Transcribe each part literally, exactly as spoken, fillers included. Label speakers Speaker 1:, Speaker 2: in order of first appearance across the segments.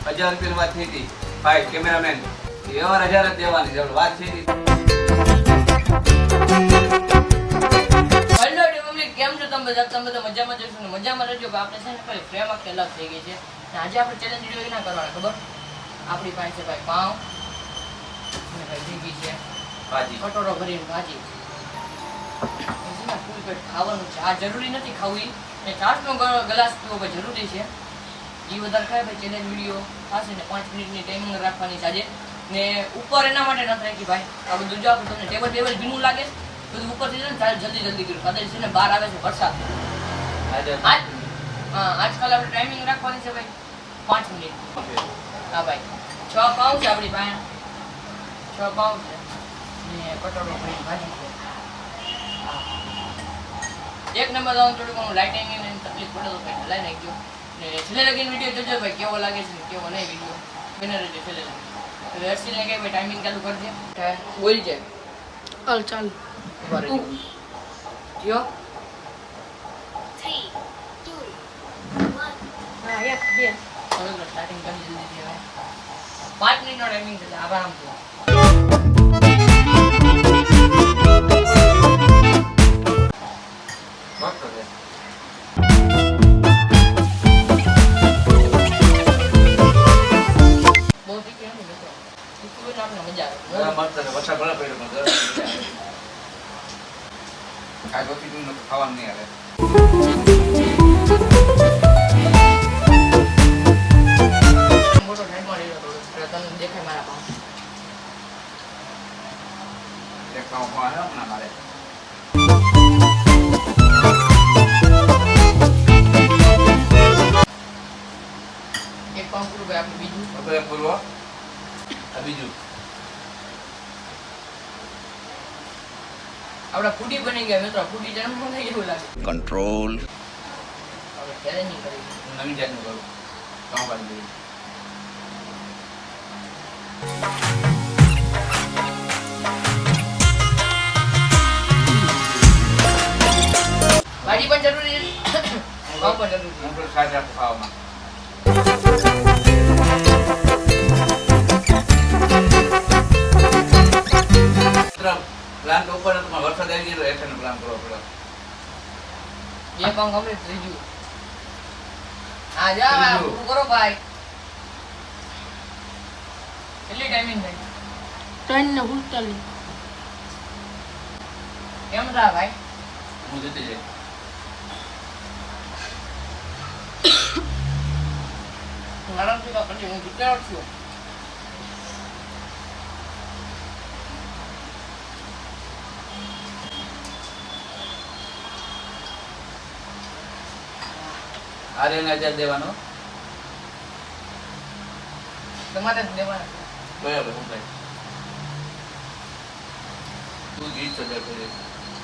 Speaker 1: હજાર રૂપિયાની વાત થઈ હતી ભાઈ કેમેરામેન વ્યવહાર હજાર જ દેવાની છે વાત છે
Speaker 2: હેલો પબ્લિક, કેમ છો તમે બધા? તમે બધા મજામાં જશો ને મજામાં રહેજો. આપણે છે ને ભાઈ ફ્રેમ આખી અલગ થઈ ગઈ છે ને આજે આપણે ચેલેન્જ વિડિયો ના કરવાના ખબર. આપણી પાસે છે ભાઈ પાઉં અને ભાઈ ભીગી છે
Speaker 1: ભાજી
Speaker 2: કટોરો ભરીને ભાજી. ફૂલ પેટ ખાવાનું છે. આ જરૂરી નથી ખાવું ને ચાટનો ગ્લાસ પીવો ભાઈ જરૂરી છે. એ વધારે ખાય ભાઈ ચેલેન્જ વિડીયો થશે ને પાંચ મિનિટની ટાઈમિંગ રાખવાની છે આજે. ને ઉપર એના માટે નથી રાખી ભાઈ આ બધું જો આપણે તમને ટેબલ ટેબલ ભીનું લાગે બધું ઉપરથી છે ને ચાલ જલ્દી જલ્દી કર્યું કદાચ છે ને બહાર આવે છે વરસાદ. આજ હા આજકાલ આપણે ટાઈમિંગ રાખવાની છે ભાઈ પાંચ મિનિટ. હા ભાઈ છ પાઉં છે આપણી પાસે છ પાઉં છે ને કટોરો ભરીને ભાજી છે. એક નંબર આવવાનું થોડું ઘણું લાઇટિંગ ને તકલીફ પડે તો ભાઈ હલાઈ નાખજો ને છેલ્લે લગીને વિડીયો જોજો ભાઈ કેવો લાગે છે ને કેવો નહીં વિડીયો બને રહેજો છેલ્લે લગી. હવે હર્ષિલને કહે ભાઈ ટાઈમિંગ ચાલુ કરજે બોલ છે
Speaker 3: ચાલ ચાલ
Speaker 2: જીઓ
Speaker 3: three, two, one. હા એક બે
Speaker 2: ચલો સ્ટાર્ટિંગ કરી જલ્દી છે ભાઈ પાંચ મિનિટનો ટાઈમિંગ છે આરામથી. બહુ તીખી નથી મિત્રો તીખી હોય તો આપણે મજા આવે.
Speaker 1: વરસાદ ભલે પડ્યો પણ ગરમ મજા આવે. કાંઈ રોટી નું ખાવાનું નહીં આવે.
Speaker 2: મોટો સાઈડમાં રહ્યો થોડો તમને દેખાય મારા પાઉં.
Speaker 1: એક પાઉં ખાવા હમણાં મારે
Speaker 2: એક પાઉં પૂરું ભાઈ આપણે બીજું
Speaker 1: બપોરે પૂરવો આ બીજું
Speaker 2: આપડા ફૂડી બની ગયા મિત્રો. ફૂડી જન્મ થઈ એવું લાગે.
Speaker 4: કંટ્રોલ
Speaker 2: હવે ચેલેન્જિંગ કરી
Speaker 1: હું નવી જાતનું કરું પાઉં ભાજી દઉં.
Speaker 2: ભાજી પણ જરૂરી છે પાઉં પણ જરૂરી છે.
Speaker 1: હું તો સાજ રાખું ખાવામાં. પ્લાન તો ઉપર હતો પણ વરસાદ આવી ગયો એટલે પ્લાન કરવો પડ્યો.
Speaker 2: બે પાઉં કમ્પ્લીટ થઈ ગયું. હા જા
Speaker 1: ત્રીજું.
Speaker 2: પૂરું કરો ભાઈ. કેટલી ટાઈમિંગ થઈ
Speaker 3: ત્રણ ને ઉડતાલીસ.
Speaker 2: કેમ થા ભાઈ?
Speaker 1: હું જીતી જાય
Speaker 2: આરામથી તો કરજો. હું જીત્યો જ છું.
Speaker 1: આર્યને હજાર દેવાનો
Speaker 2: તમારે જ દેવાના છે.
Speaker 1: બરાબર હું કઈ તું જીત છો દર કરી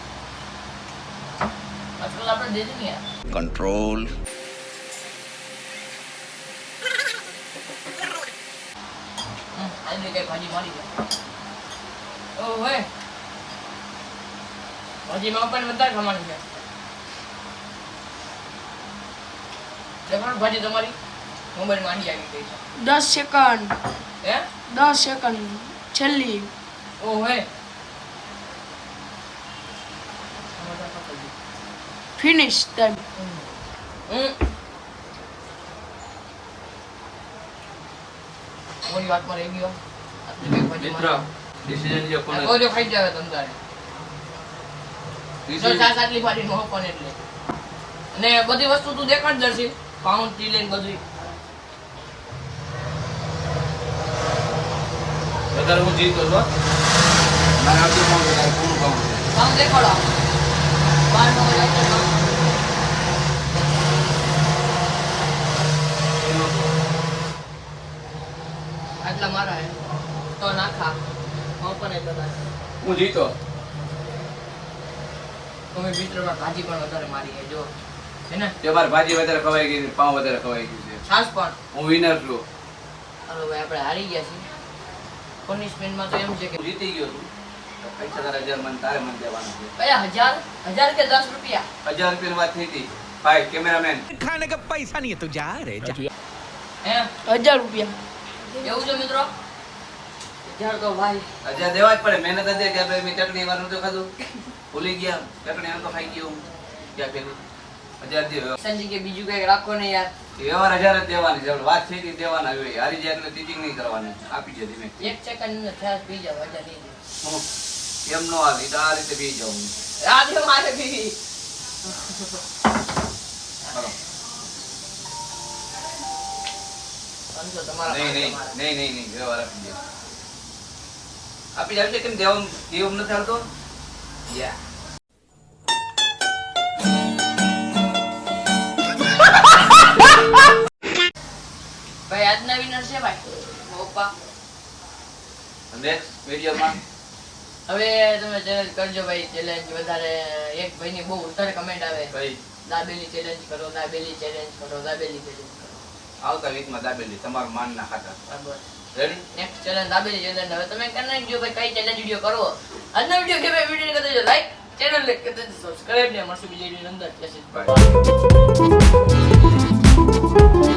Speaker 2: આજકાલ આપણે દે દઈએ યાર.
Speaker 4: કંટ્રોલ
Speaker 2: હમ, આજે કઈ ભાજી મારી છે. ઓ હોય ભાજીમાં પણ વધારે ખાવાની છે. દેખાડો ભાજી તમારી મોબાઈલમાં આંડી આવી ગઈ છે.
Speaker 3: દસ સેકન્ડ
Speaker 2: હે
Speaker 3: દસ સેકન્ડ છેલ્લી.
Speaker 2: ઓ હોય
Speaker 3: ફિનિશ ટાઈમ.
Speaker 2: હમ મોરી વાતમાં રહી ગયો. આટલી બધી ભાજી
Speaker 1: મિત્ર
Speaker 2: મારી.
Speaker 1: ડિસિઝન જે કોને
Speaker 2: આ તો જો ખાઈ જાવે તમ તારે. જો
Speaker 1: decision-
Speaker 2: સાત આટલી ભાજી નો પણ એટલે અને બધી વસ્તુ તું દેખાડ દર્શી પાઉન્ડ થી લઈને બધું.
Speaker 1: વધારે હું જીતો છો મારે આવતું પાઉં વધારે પૂરું પાઉં છે.
Speaker 2: પાઉન્ડ દેખાડો બાર નો હોય તો પાઉં. આટલા મારા હે તો નાખા પાઉં પણ એટલો થાય.
Speaker 1: હું જીતો
Speaker 2: તમે મિત્રમાં ભાજી પણ વધારે મારી છે જો હે ને
Speaker 1: તે મારે ભાજી વધારે ખવાઈ ગઈ છે, પાઉં વધારે ખવાઈ ગયું છે.
Speaker 2: છાસ પણ.
Speaker 1: હું વિનર છું.
Speaker 2: હાલો ભાઈ આપણે હારી ગયા છીએ. પનિશમેન્ટમાં તો એમ છે કે
Speaker 1: હું જીતી ગયો છું. તો પૈસા તારા હજાર મને તારે મને દેવાના છે.
Speaker 2: કયા હજાર હજાર કે દસ રૂપિયા
Speaker 1: હજાર રૂપિયાની વાત થઈ હતી ભાઈ કેમેરામેન
Speaker 5: खाने का पैसा नहीं है तो जा रे जा।
Speaker 2: હે
Speaker 3: હજાર રૂપિયા.
Speaker 2: એવું છે મિત્રો હજાર તો ભાઈ
Speaker 1: હજાર દેવા જ પડે, મહેનત હતી કે ભાઈ મેં ચટણી વાર નતું ખાધું, ભૂલી ગયા ચટણી આમ તો ખાઈ ગયું ક્યાં પેલું હજાર દે.
Speaker 2: સંજી કે બીજું કઈક રાખો ને યાર.
Speaker 1: વ્યવહાર હજાર જ દેવાની છે, વાત થઈ હતી દેવાના હોય, હારી જાય એટલે ટીચિંગ નહીં કરવાની, આપી જાય ધીમે.
Speaker 2: એક સેકન્ડ ને થયા પી જાવ હજાર નહીં દે.
Speaker 1: હું એમ નો હાલ, ઈ તો આ રીતે પી જાઉં.
Speaker 2: આ દે મારે પીવી.
Speaker 1: હાલો.
Speaker 2: સમજો તમારા
Speaker 1: નહીં નહીં
Speaker 2: તમારા.
Speaker 1: નહીં નહીં નહીં વ્યવહાર આપી જાય, આપી જાય એટલે કેમ દેવાનું દેવું નથી હાલતો યા.
Speaker 2: ભાઈ આજના વિનર છે ભાઈ પપ્પા.
Speaker 1: નેક્સ્ટ વિડીયોમાં
Speaker 2: હવે તમે ચેલેન્જ કરજો ભાઈ. ચેલેન્જ વધારે એક ભાઈની બહુ વધારે કમેન્ટ આવે
Speaker 1: ભાઈ
Speaker 2: દાબેલી ચેલેન્જ કરો, દાબેલી ચેલેન્જ કરો, દાબેલી ચેલેન્જ કરો.
Speaker 1: આવતા વીકમાં દાબેલી તમારું માન ના ખાતા.
Speaker 2: બરાબર.
Speaker 1: Ready?
Speaker 2: Next challenge dabeli challenge. હવે તમે કરી નાખજો ભાઈ કઈ ચેલેન્જ વિડિયો કરવો. આજનો વિડિયો કે ભાઈ વિડિયો કરી દેજો લાઈક, ચેનલ ને કરી દેજો સબસ્ક્રાઇબ ને મળશું બીજી વિડિયો અંદર. જય શ્રી કૃષ્ણ.
Speaker 1: Bye.